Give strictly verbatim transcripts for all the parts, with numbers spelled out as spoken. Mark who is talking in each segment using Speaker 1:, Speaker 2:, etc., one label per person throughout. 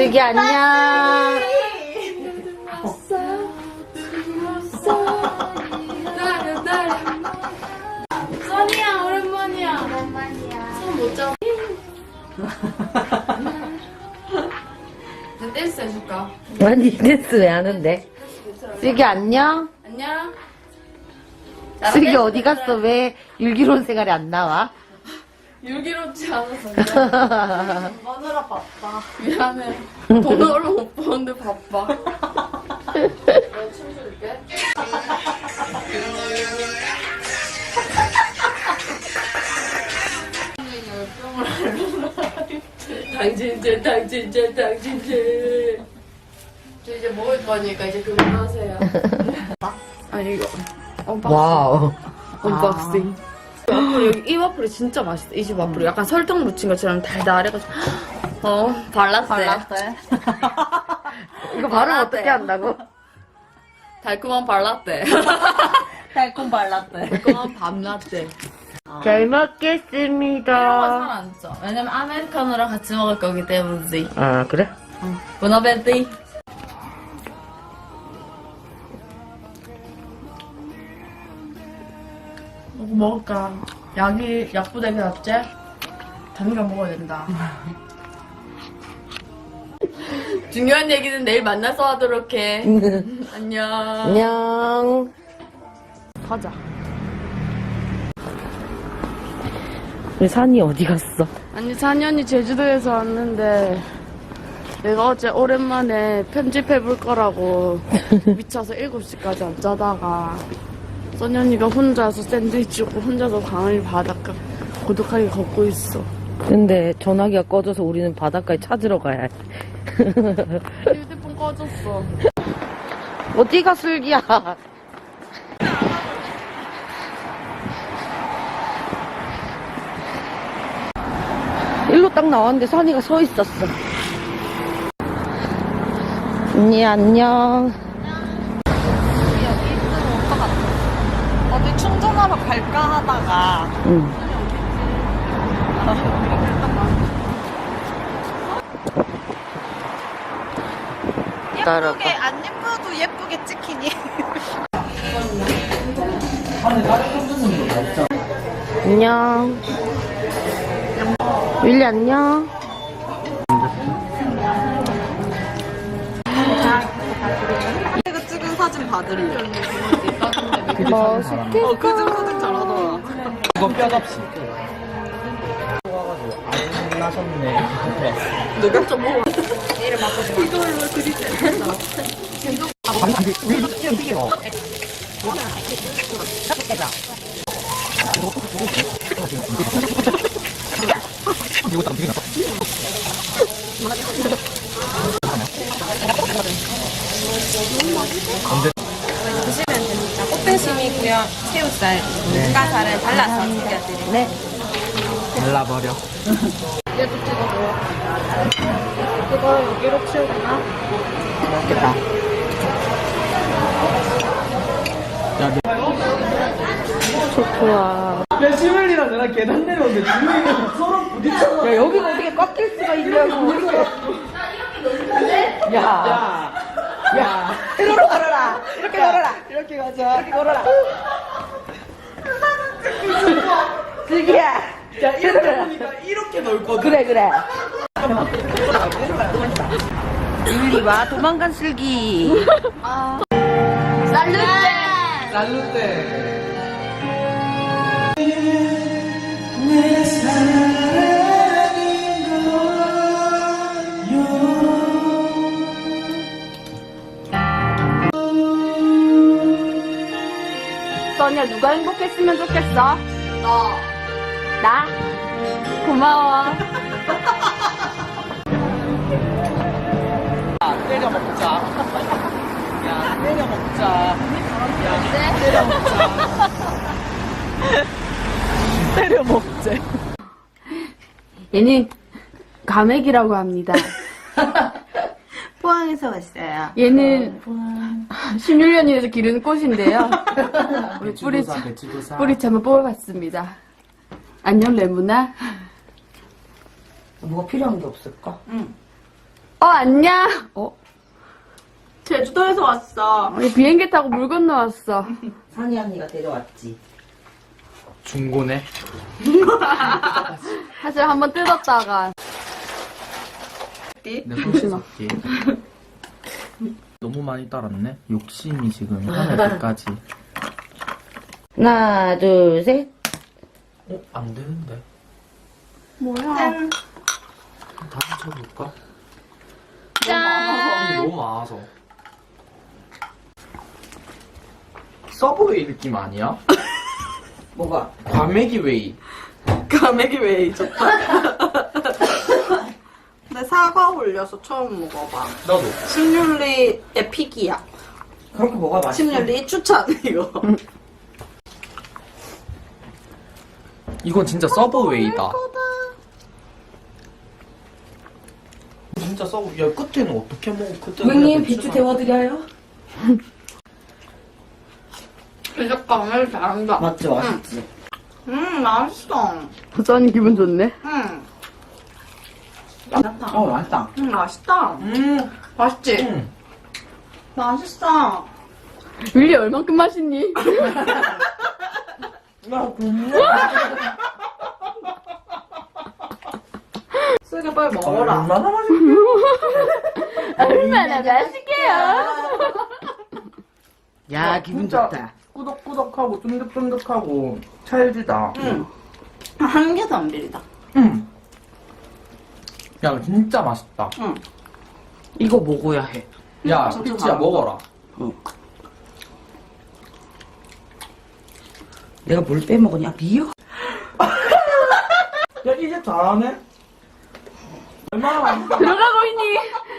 Speaker 1: 슬기 안녕.
Speaker 2: 써니야 오랜만이야. 오랜만이야. 손 못 잡아. 나 댄스 해줄까?
Speaker 1: 아니 댄스 왜 하는데? 슬기 안녕.
Speaker 2: 안녕.
Speaker 1: 슬기 어디 갔어? 왜 율기로운 생활이 안 나와?
Speaker 2: 유기롭지 않아서 마누라 바빠. 미안해. 돈을 얼마 못 버는데 바빠. 내가 춤출게. 당진제 당진제 당진제. 저 이제 먹을 거니까 이제 그만하세요. 아니 이거 언박싱.
Speaker 1: 와우.
Speaker 2: 언박싱. 와플 여기 이 와플이 진짜 맛있어. 이 집 와플이 약간 설탕 묻힌 것처럼 달달해가지고. 어 발라떼.
Speaker 3: 발라떼.
Speaker 1: 이거 발음 어떻게 한다고?
Speaker 2: 달콤한 발라떼.
Speaker 3: 달콤 발라떼.
Speaker 2: 달콤한 밤라떼.
Speaker 1: 잘
Speaker 2: 이런 거
Speaker 1: 먹겠습니다.
Speaker 2: 잘안 쪄. 왜냐면 아메리카노랑 같이 먹을 거기 때문이지.
Speaker 1: 아 그래?
Speaker 2: 보나베티. 뭐 먹을까? 약이 약보다 이게 낫지? 단가 먹어야 된다. 중요한 얘기는 내일 만나서 하도록 해. 안녕.
Speaker 1: 안녕.
Speaker 2: 가자.
Speaker 1: 우리 산이 어디 갔어?
Speaker 2: 아니 산현이 제주도에서 왔는데 내가 어제 오랜만에 편집해볼 거라고 미쳐서 일곱 시까지 안 자다가 선현이가 혼자서 샌드위치 먹고 혼자서 강을 바닷가 고독하게 걷고 있어.
Speaker 1: 근데 전화기가 꺼져서 우리는 바닷가에 찾으러 가야 해.
Speaker 2: 휴대폰 꺼졌어.
Speaker 1: 어디가 슬기야? 일로 딱 나왔는데 산이가 서 있었어. 언니 안녕.
Speaker 3: 여기 있으면 올 것 같아. 어디 충전하러 갈까 하다가.
Speaker 1: 응. 따라가.
Speaker 3: 예쁘게 안 예뻐도 예쁘게 찍히니.
Speaker 1: 안녕. 윌리 안녕.
Speaker 3: 이거 찍은 사진 받을래.
Speaker 1: 멋있게.
Speaker 3: 어, 그중 사진 잘하더라.
Speaker 4: 이거 뼈값이 좋아가지고 안 나셨네.
Speaker 2: 누가 좀 먹어.
Speaker 3: 드시면 됩니다. 꽃등심이고요. 새우살, 눈가살을 발라서 드려드릴게요.
Speaker 1: 네.
Speaker 4: 발라버려.
Speaker 2: 얘도 찍어줘. 그거 여기로 치우구나.
Speaker 4: 맛있겠다.
Speaker 1: 좋아.
Speaker 4: 야, 시멜리랑 나랑 계단 내려오는데 주위에 서로 부딪혀.
Speaker 1: 야 여기가 어떻게 꽉 낄 수가 있냐고. 야.
Speaker 4: 야,
Speaker 1: 야. 이리로 걸어라. 이렇게 걸어라.
Speaker 4: 이렇게 가자.
Speaker 1: 이렇게 걸어라. 슬기야.
Speaker 4: 야, 이렇게 보니까 이렇게 넓거든.
Speaker 1: 그래 그래. 율리 와 도망간 슬기.
Speaker 2: 살루테.
Speaker 4: 날루데.
Speaker 2: 써니야 누가 행복했으면 좋겠어? 너. 나? 고마워.
Speaker 4: 야, 때려 먹자. 야, 때려 먹자. 야, 때려 먹자. 때려 먹자.
Speaker 2: 얘는 가맥이라고 합니다.
Speaker 3: 포항에서 왔어요.
Speaker 2: 얘는 십육 년에서 기르는 꽃인데요. 우리 뿌리,
Speaker 4: 배추도사, 배추도사.
Speaker 2: 뿌리채 한번 뽑아봤습니다. 안녕 레몬아.
Speaker 1: 뭐가 필요한 게 없을까?
Speaker 3: 응.
Speaker 2: 어, 안녕. 어,
Speaker 3: 제주도에서 왔어.
Speaker 2: 우리 비행기 타고 물 건너왔어.
Speaker 1: 산이 언니가 데려왔지.
Speaker 4: 중고네.
Speaker 2: 사실 한번 뜯었다가.
Speaker 4: 내 손씻었지. 너무 많이 따랐네. 욕심이 지금 하늘까지.
Speaker 1: 하나, 둘, 셋.
Speaker 4: 어? 안 되는데.
Speaker 2: 뭐야?
Speaker 4: 다시 쳐볼까?
Speaker 2: 짠!
Speaker 4: 너무 많아서. 서브웨이 느낌 아니야?
Speaker 1: 뭐가?
Speaker 4: 과메기 웨이.
Speaker 3: 가메기 웨이 좋다. 근데 사과 올려서 처음 먹어봐.
Speaker 4: 나도.
Speaker 3: 침률리 에픽이야.
Speaker 1: 그렇게 뭐가 맛있어?
Speaker 3: 침률리 추천 이거.
Speaker 4: 이건 진짜 서브웨이다. 진짜 서브. 야 끝에는 어떻게 먹어? 끝에.
Speaker 1: 고객님 비추 데워드려요?
Speaker 2: 이제 강을 잘한다.
Speaker 1: 맞지, 맛있지?
Speaker 3: 음 맛있어.
Speaker 2: 써니 기분 좋네.
Speaker 3: 음,
Speaker 1: 어, 맛있다.
Speaker 3: 음 맛있다.
Speaker 4: 음.
Speaker 3: 맛있지?
Speaker 4: 음.
Speaker 3: 맛있어.
Speaker 2: 윌리 얼만큼 맛있니?
Speaker 4: 나 정말.
Speaker 3: 쓰게 빨리 먹어라.
Speaker 4: 얼마나 맛있게.
Speaker 2: 얼마나 맛있게요?
Speaker 1: 야, 기분
Speaker 4: 진짜
Speaker 1: 좋다.
Speaker 4: 꾸덕꾸덕하고 쫀득쫀득하고 찰지다.
Speaker 3: 응. 한 개도 안 비리다.
Speaker 4: 음. 야 진짜 맛있다.
Speaker 3: 응.
Speaker 1: 이거 먹어야 해.
Speaker 4: 야
Speaker 3: 진짜
Speaker 4: 피치야
Speaker 3: 잘한다.
Speaker 4: 먹어라.
Speaker 1: 내가 뭘 빼먹었냐? 미역?
Speaker 4: 야 이제 잘하네. 얼마나 맛있어.
Speaker 2: 들어가고 있니?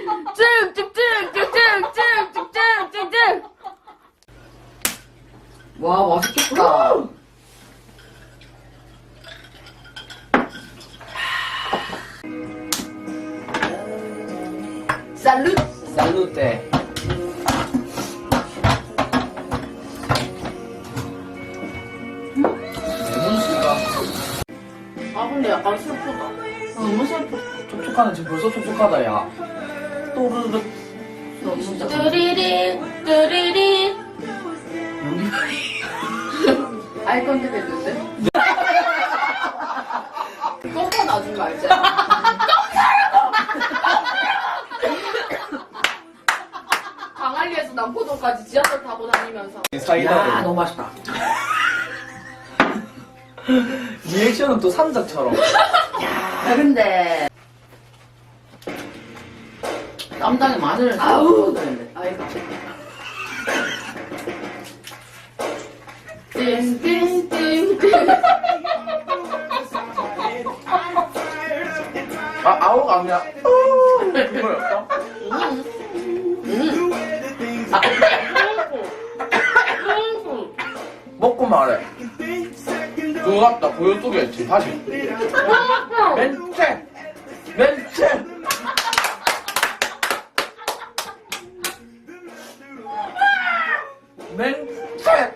Speaker 2: 쭉쭉쭉쭉쭉쭉쭉쭉쭉.
Speaker 1: 와, 맛있겠다.
Speaker 2: 살루.
Speaker 4: 살루테. 레몬씨가
Speaker 2: 아 근데 약간 슬프다. 너무 슬퍼.
Speaker 4: 촉촉하네. 지금 벌써 촉촉하다 야. 또르르.
Speaker 1: 진짜.
Speaker 2: 뚜리리 뚜리리. 아이 컨택 했는데? 똥파 놔준 거 알지? 강한리에서 남포동까지 지하철 타고 다니면서
Speaker 4: 사이다.
Speaker 1: 야, 너무 맛있다.
Speaker 4: 리액션은 또 산적처럼.
Speaker 1: 야, 근데. 쌈장에 마늘을
Speaker 2: 아우.
Speaker 1: 넣어야 되는데.
Speaker 2: 아이가 띵띵띵띵
Speaker 4: 아 아우가 아니야. 이거였어? 먹고 말해. 그거 같다. 고요 속에 있지. 다시. 멘체. 멘체. 멘체.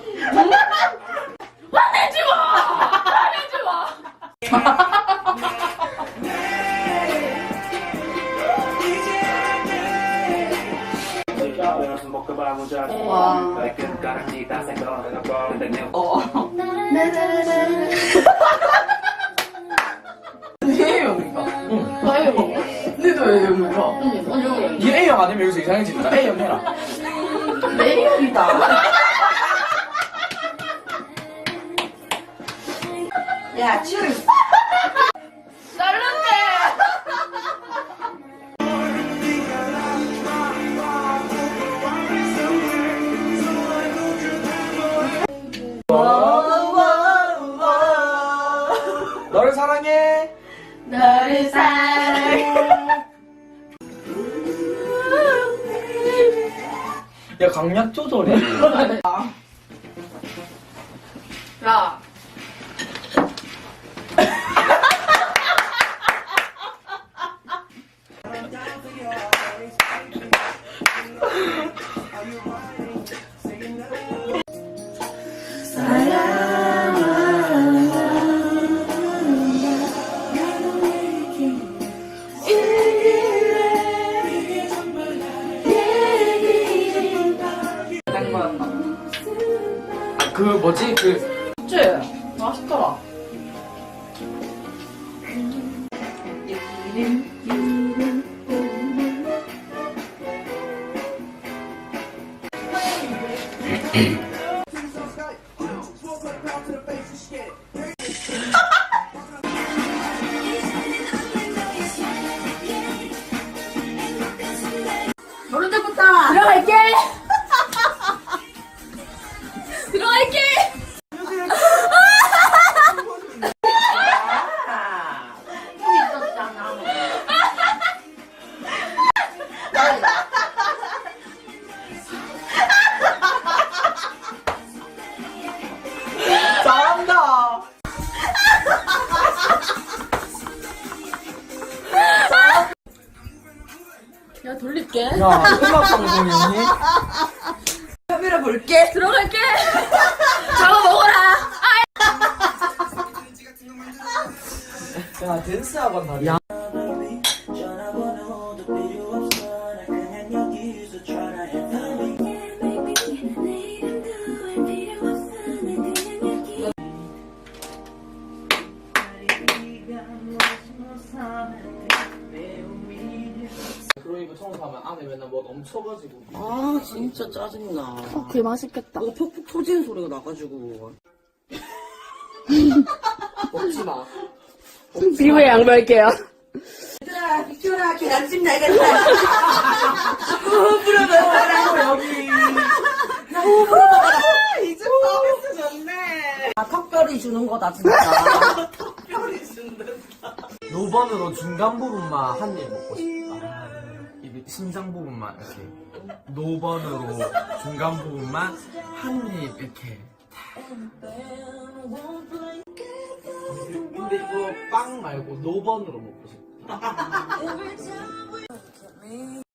Speaker 2: 화내지 마! 화내지 마!
Speaker 4: 얘 형인가? 응.
Speaker 2: 아이고
Speaker 4: 니도 왜 형인가?
Speaker 2: 응,
Speaker 4: 이 A형 아니면 여기서 이상해진다. A형 해라.
Speaker 1: 내 형이다. 야, 치얼스.
Speaker 2: 쌀른데
Speaker 4: 너를 사랑해.
Speaker 2: 너를 사랑해.
Speaker 4: 야 강약 조절해.
Speaker 2: 야
Speaker 4: 그 뭐지 그
Speaker 3: 그치? 맛있더라.
Speaker 2: 들어갈게. 들어갈게.
Speaker 4: 잘한다.
Speaker 2: 야 돌릴게.
Speaker 4: 야 음악 방송이니?
Speaker 3: 카메라 볼게.
Speaker 2: 들어갈게. 잡아 먹어라.
Speaker 4: 야 댄스 학원 다니. 야. 그러니까 청소하면 안에 맨날 뭐 넘쳐가지고.
Speaker 5: 아 진짜 짜증나.
Speaker 2: 개 맛있겠다.
Speaker 5: 뭐 퍽퍽 터지는 소리가 나가지고.
Speaker 4: 먹지 마.
Speaker 2: 지금의 양보할게요.
Speaker 5: 얘들아 빅토라 계란찜 나겠다. 호흡으로 먹어라 여기. 야 호흡으로 먹어라.
Speaker 3: 이제 서비스 좋네.
Speaker 5: 아 턱별이 주는 거다 진짜.
Speaker 3: 뼈리 준다.
Speaker 4: 노번으로 중간 부분만 한 입 먹고 싶다. 이 심장 부분만 이렇게. 노번으로 중간 부분만 한 입 이렇게. 근데 이거 빵 말고 노번으로 먹고 싶다.